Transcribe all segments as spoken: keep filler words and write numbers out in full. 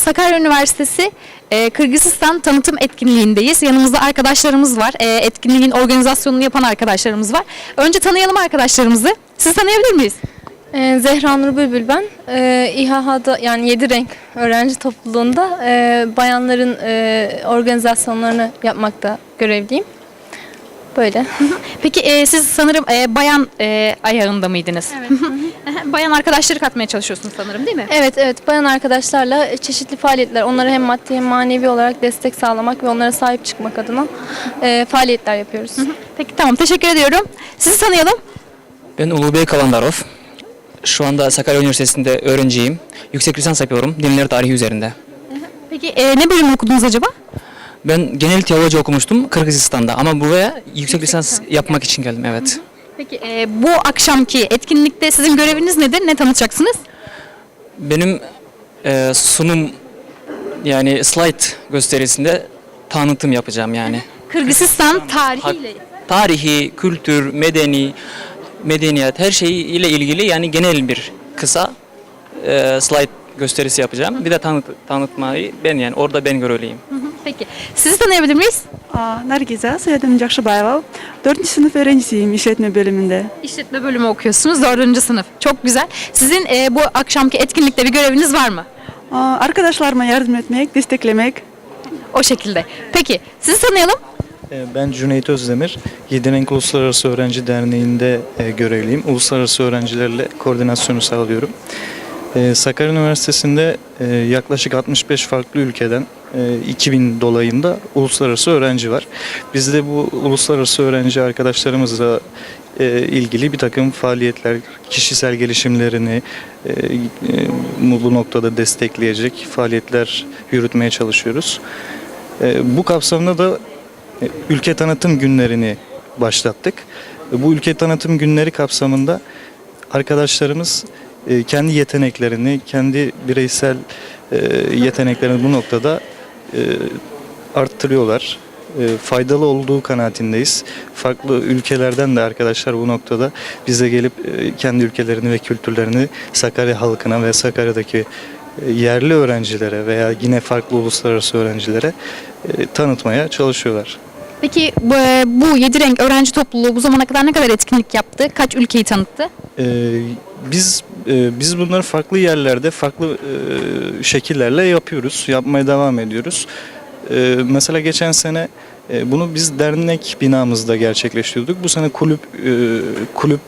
Sakarya Üniversitesi e, Kırgızistan tanıtım etkinliğindeyiz. Yanımızda arkadaşlarımız var. E, etkinliğin organizasyonunu yapan arkadaşlarımız var. Önce tanıyalım arkadaşlarımızı. Sizi tanıyabilir miyiz? Ee, Zehra Nur Bülbül ben. Ee, İHA'da yani yedi renk öğrenci topluluğunda e, bayanların e, organizasyonlarını yapmakta görevliyim. Böyle. Peki e, siz sanırım e, bayan e, ayağında mıydınız? Evet. Bayan arkadaşları katmaya çalışıyorsunuz sanırım, değil mi? Evet evet bayan arkadaşlarla çeşitli faaliyetler, onlara hem maddi hem manevi olarak destek sağlamak ve onlara sahip çıkmak adına e, faaliyetler yapıyoruz. Peki tamam, teşekkür ediyorum. Sizi tanıyalım. Ben Ulubey Kalandarov. Şu anda Sakarya Üniversitesi'nde öğrenciyim. Yüksek lisans yapıyorum dinler tarihi üzerinde. Peki e, ne bölüm okudunuz acaba? Ben genel teoloji okumuştum Kırgızistan'da ama buraya yüksek lisans yapmak için geldim, evet. Peki e, bu akşamki etkinlikte sizin göreviniz nedir? Ne tanıtacaksınız? Benim e, sunum yani slide gösterisinde tanıtım yapacağım yani. Kırgızistan tarihiyle. Tarihi, kültür, medeni, medeniyet her şeyiyle ilgili yani genel bir kısa e, slide gösterisi yapacağım. Bir de tanıt, tanıtmayı ben yani orada ben görevliyim. Peki sizi tanıyabilir miyiz? Aa, Nargiza, soyadım Jakşıbayeva. Dördüncü sınıf öğrencisiyim işletme bölümünde. İşletme bölümü okuyorsunuz, dördüncü sınıf. Çok güzel. Sizin e, bu akşamki etkinlikte bir göreviniz var mı? Aa, arkadaşlarıma yardım etmek, desteklemek. O şekilde. Peki sizi tanıyalım. Ben Cüneyt Özdemir, Yedi Renk Uluslararası Öğrenci Derneği'nde e, görevliyim. Uluslararası öğrencilerle koordinasyonu sağlıyorum. E, Sakarya Üniversitesi'nde e, yaklaşık altmış beş farklı ülkeden e, iki bin dolayında uluslararası öğrenci var. Biz de bu uluslararası öğrenci arkadaşlarımızla e, ilgili bir takım faaliyetler, kişisel gelişimlerini e, e, bu noktada destekleyecek faaliyetler yürütmeye çalışıyoruz. E, bu kapsamda da ülke tanıtım günlerini başlattık. Bu ülke tanıtım günleri kapsamında arkadaşlarımız kendi yeteneklerini, kendi bireysel yeteneklerini bu noktada arttırıyorlar. Faydalı olduğu kanaatindeyiz. Farklı ülkelerden de arkadaşlar bu noktada bize gelip kendi ülkelerini ve kültürlerini Sakarya halkına ve Sakarya'daki yerli öğrencilere veya yine farklı uluslararası öğrencilere tanıtmaya çalışıyorlar. Peki bu, bu yedi renk öğrenci topluluğu bu zamana kadar ne kadar etkinlik yaptı? Kaç ülkeyi tanıttı? Ee, biz e, biz bunları farklı yerlerde, farklı e, şekillerle yapıyoruz, yapmaya devam ediyoruz. E, mesela geçen sene e, bunu biz dernek binamızda gerçekleştiriyorduk. Bu sene kulüp e, kulüp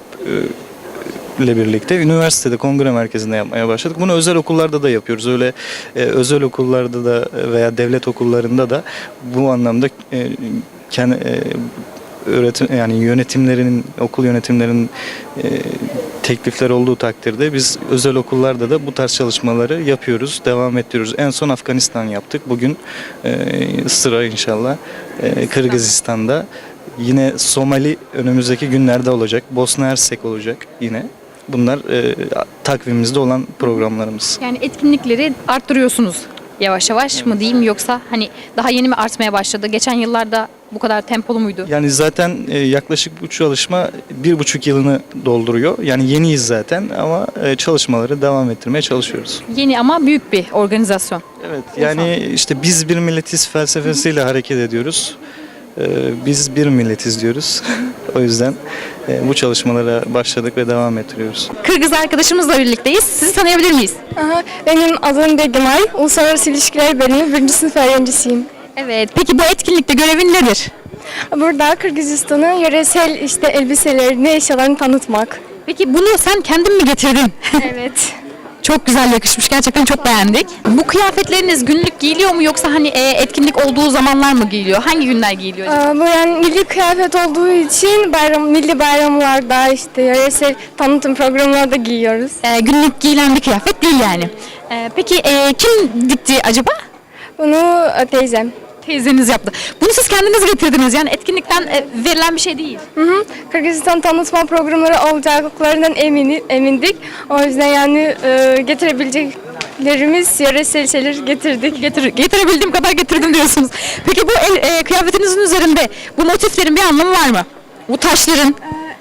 e, ile birlikte üniversitede kongre merkezinde yapmaya başladık. Bunu özel okullarda da yapıyoruz. Öyle e, özel okullarda da veya devlet okullarında da bu anlamda e, kendi e, öğretim yani yönetimlerinin okul yönetimlerinin e, teklifleri olduğu takdirde biz özel okullarda da bu tarz çalışmaları yapıyoruz, devam ettiriyoruz. En son Afganistan yaptık. Bugün e, sıra inşallah e, Kırgızistan'da. Yine Somali önümüzdeki günlerde olacak. Bosna Hersek olacak yine. Bunlar e, takvimimizde olan programlarımız. Yani etkinlikleri arttırıyorsunuz yavaş yavaş mı diyeyim, yoksa hani daha yeni mi artmaya başladı? Geçen yıllarda bu kadar tempolu muydu? Yani zaten e, yaklaşık bu çalışma bir buçuk yılını dolduruyor. Yani yeniyiz zaten ama e, çalışmaları devam ettirmeye çalışıyoruz. Yeni ama büyük bir organizasyon. Evet, yani işte biz bir milletiz felsefesiyle hareket ediyoruz. E, biz bir milletiz diyoruz. O yüzden e, bu çalışmalara başladık ve devam ettiriyoruz. Kırgız arkadaşımızla birlikteyiz. Sizi tanıyabilir miyiz? Aha, benim adım Begimay. Uluslararası İlişkiler Bölümü birinci sınıf öğrencisiyim. Evet. Peki bu etkinlikte görevin nedir? Burada Kırgızistan'ın yöresel işte elbiselerini, eşyalarını tanıtmak. Peki bunu sen kendin mi getirdin? Evet. Çok güzel yakışmış. Gerçekten çok beğendik. Bu kıyafetleriniz günlük giyiliyor mu, yoksa hani e, etkinlik olduğu zamanlar mı giyiliyor? Hangi günler giyiliyor acaba? Aa, bu yani milli kıyafet olduğu için bayram, milli bayramlarda işte yöresel tanıtım programlarda giyiyoruz. E, günlük giyilen bir kıyafet değil yani. E, peki e, kim dikti acaba? Bunu e, teyzem. Teyzeniz yaptı. Bunu siz kendiniz getirdiniz. Yani etkinlikten e, verilen bir şey değil. Hı hı. Kırgızistan tanıtma programları olacaklarından emini, emindik. O yüzden yani e, getirebileceklerimiz yöresel şeyler getirdik. Getir, getirebildiğim kadar getirdim diyorsunuz. Peki bu el, e, kıyafetinizin üzerinde bu motiflerin bir anlamı var mı? Bu taşların.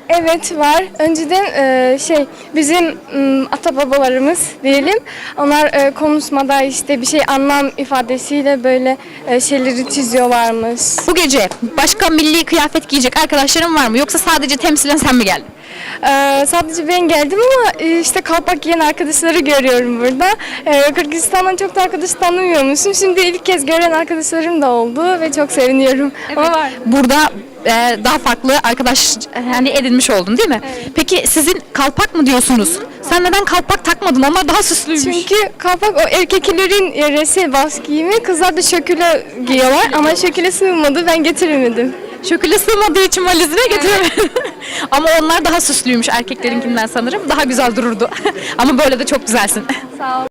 Evet var. Önceden e, şey bizim m, ata babalarımız diyelim. Onlar e, konuşmada işte bir şey anlam ifadesiyle böyle e, şeyleri çiziyorlarmış. Bu gece başka milli kıyafet giyecek arkadaşların var mı? Yoksa sadece temsilen sen mi geldin? E, sadece ben geldim ama e, işte kalpak giyen arkadaşları görüyorum burada. E, Kırgızistan'dan çok da arkadaş tanımıyormuşum. Şimdi ilk kez gören arkadaşlarım da oldu ve çok seviniyorum. Ama var. Burada e, daha farklı arkadaş yani edinmiş oldun değil mi? Peki sizin kalpak mı diyorsunuz? Sen neden kalpak takmadın? Onlar daha süslüymüş. Çünkü kalpak o erkeklerin yöresel bas giyimi, kızlar da şöküle giyiyorlar ama şöküle sığmadı, ben getiremedim. Şöküle sığmadığı için valizine getiremedim. Ama onlar daha süslüymüş erkeklerinkinden sanırım. Daha güzel dururdu. Ama böyle de çok güzelsin. Sağ ol.